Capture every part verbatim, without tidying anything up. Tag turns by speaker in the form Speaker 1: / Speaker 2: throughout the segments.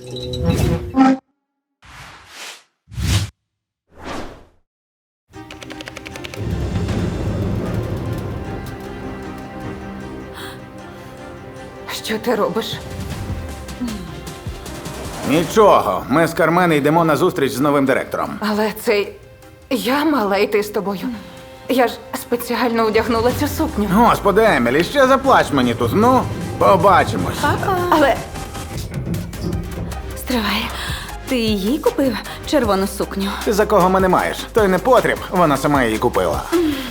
Speaker 1: Що ти робиш?
Speaker 2: Нічого, ми з Кармен йдемо на зустріч з новим директором.
Speaker 1: Але це я мала йти з тобою. Я ж спеціально одягнула цю сукню.
Speaker 2: Господи, Емілі, ще заплач мені тут. Ну, побачимось.
Speaker 1: Але
Speaker 3: Стривай. Ти їй купив червону сукню?
Speaker 2: Ти за кого мене маєш? Той не потріб, вона сама її купила.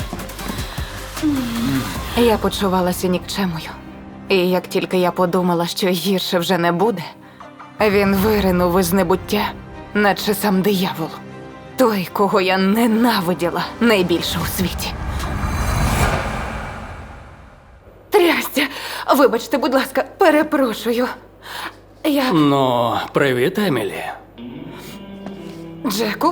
Speaker 1: я почувалася нікчемою. І як тільки я подумала, що гірше вже не буде, він виринув із небуття, наче сам диявол. Той, кого я ненавиділа найбільше у світі. Трястя! Вибачте, будь ласка, перепрошую. Я...
Speaker 4: Ну, привіт, Емілі.
Speaker 1: Джеку?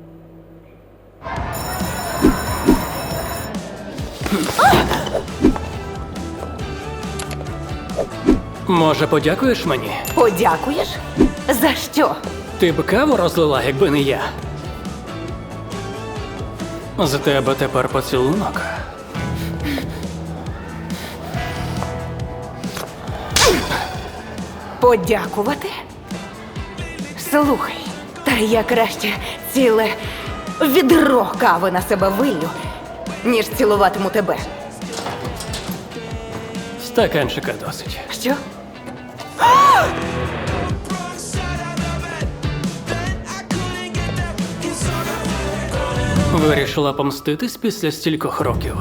Speaker 4: Може, подякуєш мені?
Speaker 1: Подякуєш? За що?
Speaker 4: Ти б каву розлила, якби не я. З тебе тепер поцілунок.
Speaker 1: Подякувати? Слухай, та я краще ціле відро кави на себе виллю, ніж цілуватиму тебе.
Speaker 4: Стаканчика досить.
Speaker 1: Що?
Speaker 4: Вирішила помститись після стількох років.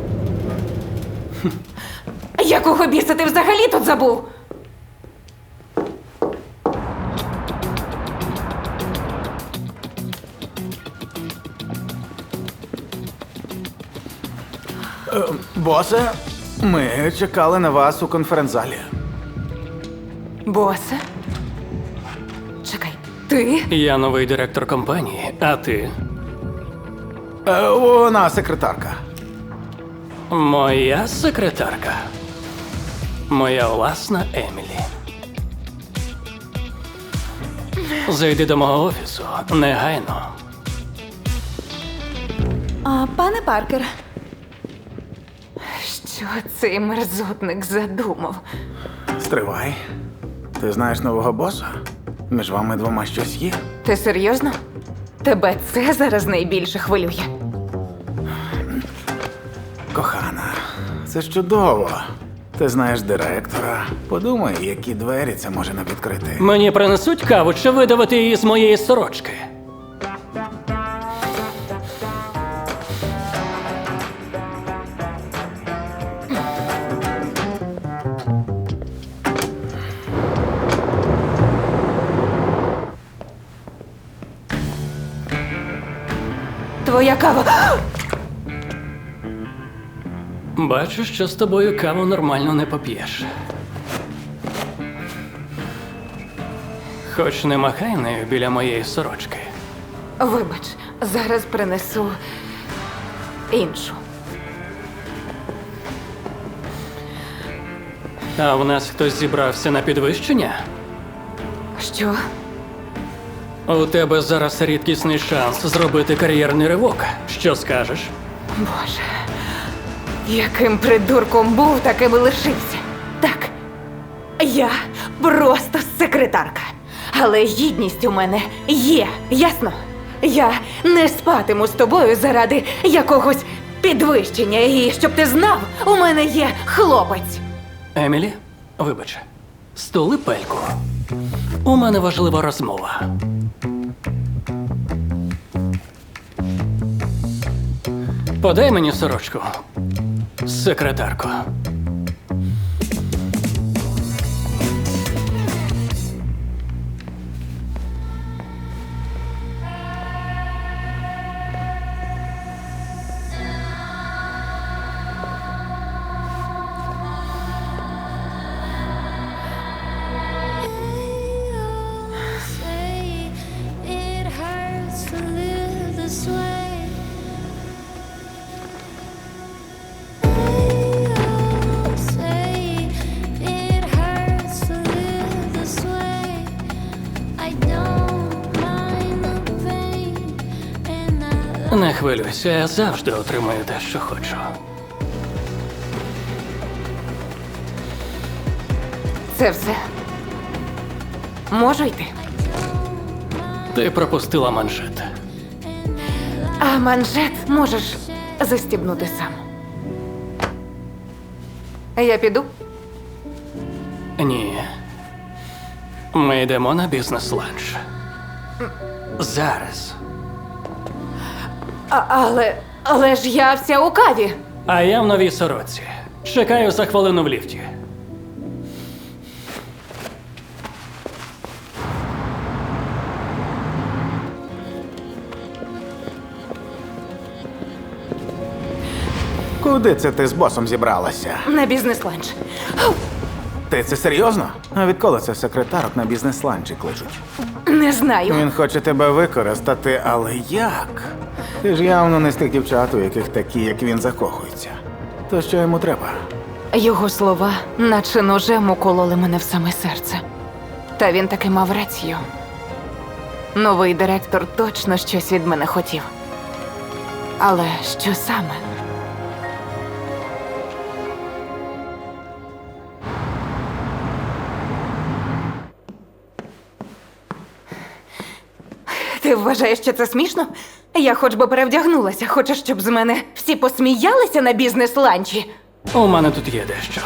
Speaker 1: Якого біса ти взагалі тут забув?
Speaker 2: Босе, ми чекали на вас у конференц-залі.
Speaker 1: Босе? Чекай, ти?
Speaker 4: Я новий директор компанії, а ти?
Speaker 2: Е, вона секретарка.
Speaker 4: Моя секретарка. Моя власна Емілі. Зайди до мого офісу негайно.
Speaker 3: А, пане Паркер,
Speaker 1: Що цей мерзотник задумав?
Speaker 2: Стривай. Ти знаєш нового боса? Між вами двома щось є?
Speaker 1: Ти серйозно? Тебе це зараз найбільше хвилює?
Speaker 2: Кохана, це ж чудово. Ти знаєш директора. Подумай, які двері це може нам відкрити.
Speaker 4: Мені принесуть каву чи видавити її з моєї сорочки?
Speaker 1: Твоя кава.
Speaker 4: Бачу, що з тобою каву нормально не поп'єш. Хоч не махай нею біля моєї сорочки.
Speaker 1: Вибач, зараз принесу іншу.
Speaker 4: А в нас хтось зібрався на підвищення?
Speaker 1: Що?
Speaker 4: У тебе зараз рідкісний шанс зробити кар'єрний ривок. Що скажеш?
Speaker 1: Боже, яким придурком був, таким і лишився. Так, я просто секретарка. Але гідність у мене є, ясно? Я не спатиму з тобою заради якогось підвищення. І щоб ти знав, у мене є хлопець.
Speaker 4: Емілі, вибач, стули пельку. У мене важлива розмова. Подай мені сорочку, секретарко.
Speaker 5: Say it hurts to live this way.
Speaker 4: Не хвилюйся, я завжди отримую те, що хочу.
Speaker 1: Це все. Можу йти?
Speaker 4: Ти пропустила манжет.
Speaker 1: А манжет можеш застібнути сам. Я піду?
Speaker 4: Ні. Ми йдемо на бізнес-ланч. Зараз.
Speaker 1: А, але. Але ж я вся у каві.
Speaker 4: А я в новій сорочці. Чекаю за хвилину в ліфті.
Speaker 2: Куди це ти з босом зібралася?
Speaker 1: На бізнес-ланч.
Speaker 2: Ти це серйозно? А відколи це секретарок на бізнес-ланчі кличуть?
Speaker 1: Не знаю.
Speaker 2: Він хоче тебе використати, але як? Ти ж явно не з тих дівчат, у яких такі, як він, закохуються. То що йому треба?
Speaker 1: Його слова, наче ножем укололи мене в саме серце. Та він таки мав рацію. Новий директор точно щось від мене хотів. Але що саме? Ти вважаєш, що це смішно? Я хоч би перевдягнулася. Хочеш, щоб з мене всі посміялися на бізнес-ланчі?
Speaker 4: У мене тут є дещо.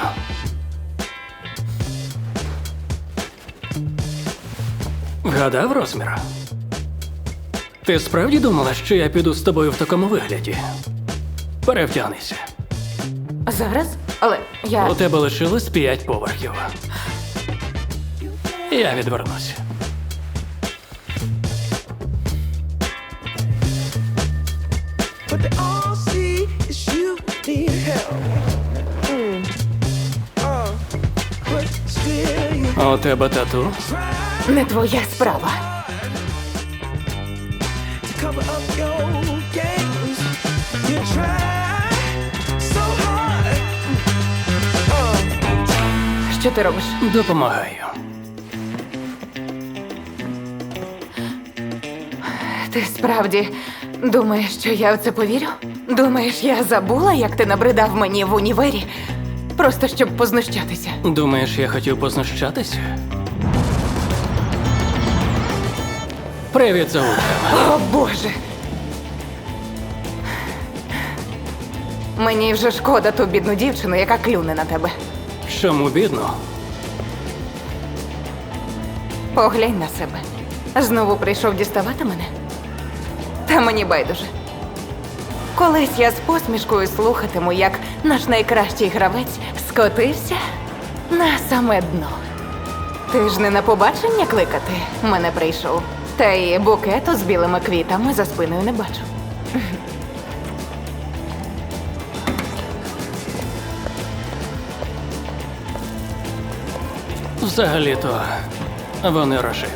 Speaker 4: Вгадав розмір? Ти справді думала, що я піду з тобою в такому вигляді? Перевтягнися.
Speaker 1: Зараз? Але я...
Speaker 4: У тебе лишилось п'ять поверхів. Я відвернусь.
Speaker 6: But they all see is you need help. Mm. Uh, but still you
Speaker 4: У тебе тату?
Speaker 1: Не твоя справа.
Speaker 6: to cover up your games. You try so hard. Uh,
Speaker 1: Що ти робиш?
Speaker 4: Допомагаю.
Speaker 1: Ти справді думаєш, що я в це повірю? Думаєш, я забула, як ти набридав мені в універі? Просто щоб познущатися.
Speaker 4: Думаєш, я хотів познущатися? Привіт, Заучка.
Speaker 1: О, Боже! Мені вже шкода ту бідну дівчину, яка клюне на тебе.
Speaker 4: Чому бідно?
Speaker 1: Поглянь на себе. Знову прийшов діставати мене? Та мені байдуже. Колись я з посмішкою слухатиму, як наш найкращий гравець скотився на саме дно. Ти ж не на побачення кликати мене прийшов. Та й букету з білими квітами за спиною не бачу.
Speaker 4: Взагалі-то вони рожеві.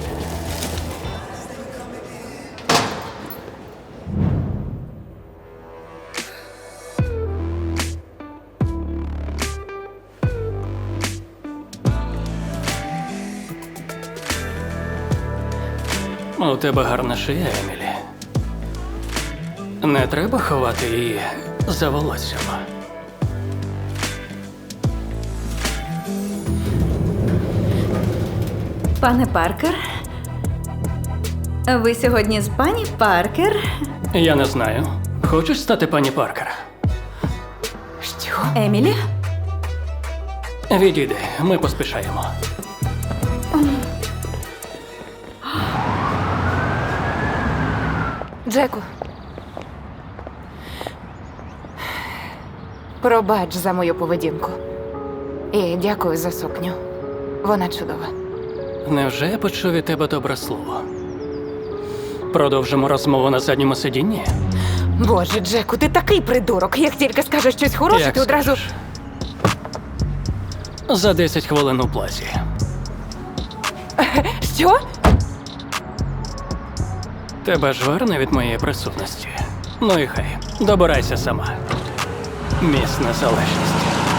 Speaker 4: У тебе гарна шия, Емілі. Не треба ховати її за волоссям.
Speaker 3: Пане Паркер. Ви сьогодні з пані Паркер?
Speaker 4: Я не знаю. Хочеш стати пані Паркер?
Speaker 1: Що?
Speaker 3: Емілі?
Speaker 4: Відійди, ми поспішаємо.
Speaker 1: Джеку. Пробач за мою поведінку. І дякую за сукню. Вона чудова.
Speaker 4: Невже я почув від тебе добре слово? Продовжимо розмову на задньому сидінні?
Speaker 1: Боже, Джеку, ти такий придурок. Як тільки скажеш щось хороше,
Speaker 4: Як
Speaker 1: ти одразу.
Speaker 4: скажеш. За десять хвилин у плазі.
Speaker 1: Що?
Speaker 4: Тебе ж верне від моєї присутності. Ну і хай, добирайся сама. Міс незалежності.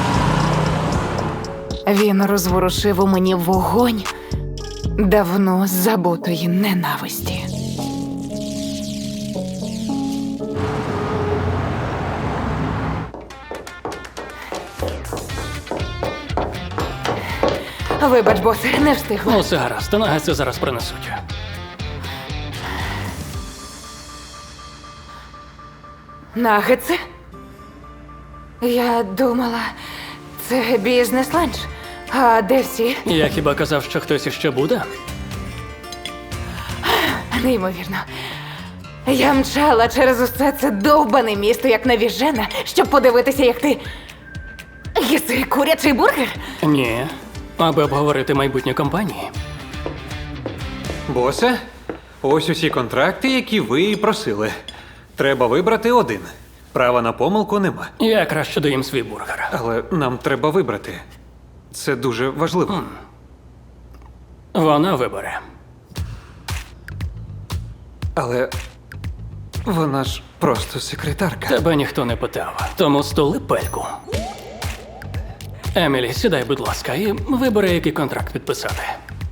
Speaker 1: Він розворушив у мені вогонь давно забутої ненависті. Вибач, босе, не встигла.
Speaker 4: Ну, все гаразд, нагетси зараз принесуть.
Speaker 1: Нагетси? Я думала, це бізнес-ланч. А де всі?
Speaker 4: Я хіба казав, що хтось іще буде?
Speaker 1: Неймовірно. Я мчала через усе це довбане місто, як навіжена, щоб подивитися, як ти. Їси курячий бургер?
Speaker 4: Ні. Аби обговорити майбутнє компанії.
Speaker 7: Босе, ось усі контракти, які ви і просили. Треба вибрати один. Права на помилку нема.
Speaker 4: Я краще доїм свій бургер.
Speaker 7: Але нам треба вибрати. Це дуже важливо.
Speaker 4: Вона вибере.
Speaker 7: Але вона ж просто секретарка.
Speaker 4: Тебе ніхто не питав, тому стули пельку. Емілі, сідай, будь ласка, і вибери, який контракт підписати.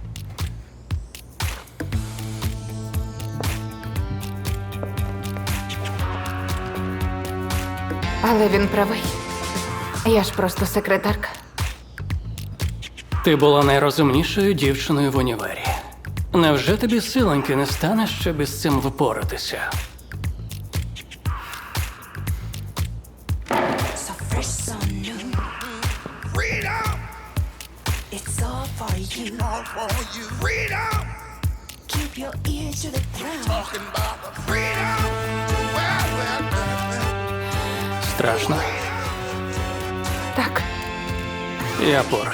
Speaker 1: Але він правий. Я ж просто секретарка.
Speaker 4: Ти була найрозумнішою дівчиною в універі. Невже тобі силоньки не стане, щоб із цим впоратися?
Speaker 8: So fresh, so new. Freedom! It's all for you. All for you. Freedom! Keep your ears to the ground. Talking about the freedom. Well, well, well, well.
Speaker 4: Страшно?
Speaker 1: Так.
Speaker 4: Я поруч.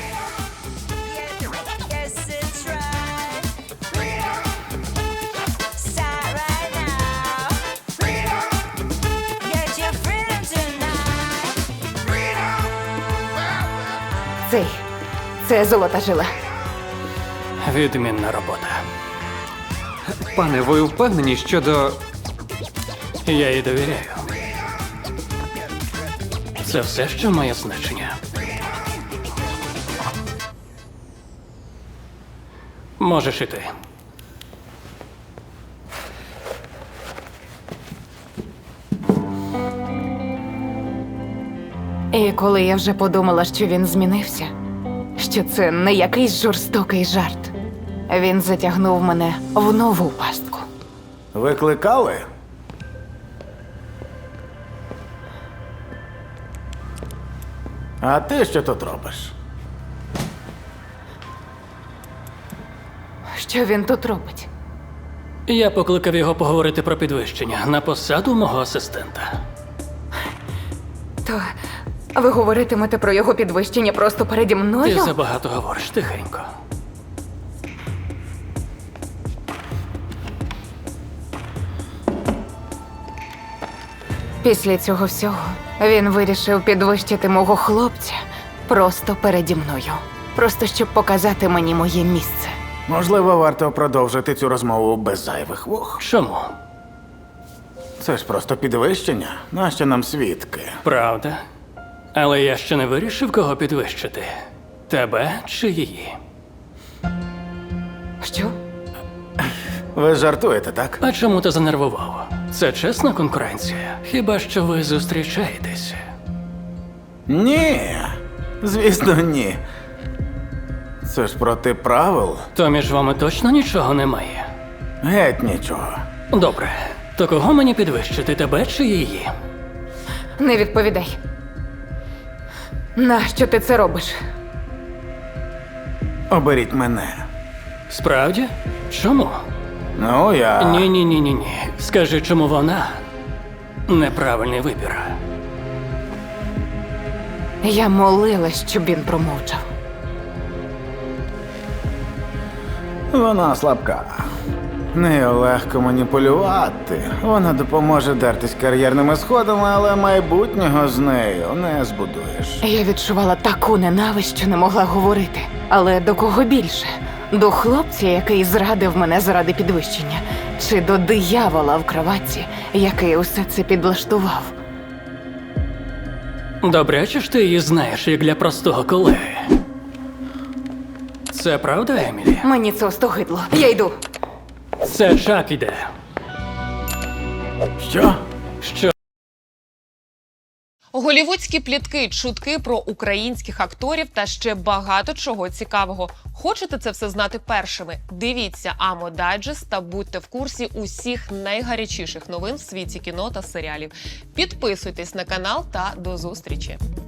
Speaker 8: Yes, it's right. Freedom! Start right now. Freedom! Get your freedom tonight. Freedom! Well, well.
Speaker 1: Цей. Це золота жила.
Speaker 4: Відмінна робота.
Speaker 7: Пане, ви впевнені щодо.
Speaker 4: Я їй довіряю. Це все, що має значення. Можеш іти.
Speaker 1: І коли я вже подумала, що він змінився, що це не якийсь жорстокий жарт, він затягнув мене в нову пастку.
Speaker 2: Викликали? А ти що тут робиш?
Speaker 1: Що він тут робить?
Speaker 4: Я покликав його поговорити про підвищення на посаду мого асистента.
Speaker 1: То ви говоритимете про його підвищення просто переді
Speaker 4: Ти
Speaker 1: мною?
Speaker 4: забагато говориш, тихенько.
Speaker 1: Після цього всього він вирішив підвищити мого хлопця просто переді мною. Просто щоб показати мені моє місце.
Speaker 2: Можливо, варто продовжити цю розмову без зайвих вух.
Speaker 4: Чому?
Speaker 2: Це ж просто підвищення. Нащо нам свідки?
Speaker 4: Правда. Але я ще не вирішив, кого підвищити. Тебе чи її?
Speaker 1: Що?
Speaker 2: Ви жартуєте, так?
Speaker 4: А чому ти занервував? Це чесна конкуренція? Хіба що ви зустрічаєтеся?
Speaker 2: Ні. Звісно, ні. Це ж проти правил.
Speaker 4: То між вами точно нічого немає?
Speaker 2: Геть нічого.
Speaker 4: Добре. То кого мені підвищити, тебе чи її?
Speaker 1: Не відповідай. Нащо ти це робиш?
Speaker 2: Оберіть мене.
Speaker 4: Справді? Чому?
Speaker 2: Ну, я.
Speaker 4: Ні, ні, ні, ні, ні. Скажи, чому вона неправильний вибір.
Speaker 1: Я молилась, щоб він промовчав.
Speaker 2: Вона слабка. Нею легко маніпулювати. Вона допоможе дертись кар'єрними сходами, але майбутнього з нею не збудуєш.
Speaker 1: Я відчувала таку ненависть, що не могла говорити. Але до кого більше? До хлопця, який зрадив мене заради підвищення, чи до диявола в кроватці, який усе це підлаштував?
Speaker 4: Добряче ж ти її знаєш, як для простого колеги. Це правда, Емілі?
Speaker 1: Мені це остогидло. Я йду.
Speaker 4: Це Чак іде.
Speaker 2: Що?
Speaker 4: Що?
Speaker 9: Голівудські плітки, чутки про українських акторів та ще багато чого цікавого. Хочете це все знати першими? Дивіться Амо Дайджест та будьте в курсі усіх найгарячіших новин в світі кіно та серіалів. Підписуйтесь на канал та до зустрічі!